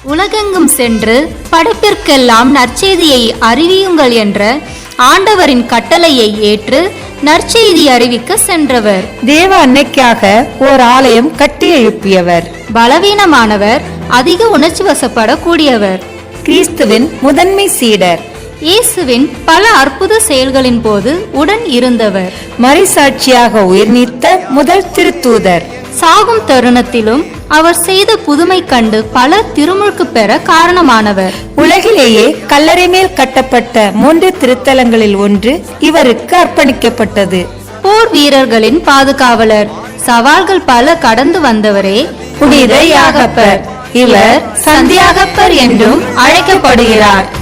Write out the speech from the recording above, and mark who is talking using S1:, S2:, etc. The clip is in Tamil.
S1: உலகெங்கும் சென்று படைப்பிற்கெல்லாம் நற்செய்தியை அறிவியுங்கள் என்ற ஆண்டவரின் கட்டளையை ஏற்று நற்செய்தி அறிவிக்க சென்றவர்.
S2: தேவ அன்னைக்காக ஓர் ஆலயம் கட்டி எழுப்பியவர்.
S1: பலவீனமானவர், அதிக உணர்ச்சி வசப்படக்கூடியவர்.
S2: கிறிஸ்துவின் முதன்மை சீடர்.
S1: இயேசுவின் பல அற்புத செயல்களின் போது உடன் இருந்தவர்.
S2: மறைசாட்சியாக உயிர் நீத்த முதல் திருத்தூதர்.
S1: சாகும் தருணத்திலும் அவர் செய்த புதுமை கண்டு பல திருமுழுக்கு பெற காரணமானவர்.
S2: உலகிலேயே கல்லறை மேல் கட்டப்பட்ட 3 திருத்தலங்களில் ஒன்று இவருக்கு அர்ப்பணிக்கப்பட்டது.
S1: போர் வீரர்களின் பாதுகாவலர், சவால்கள் பல கடந்து வந்தவரே
S2: புனித யாகப்பர். இவர் சந்தியாகப்பர் என்றும் அழைக்கப்படுகிறார்.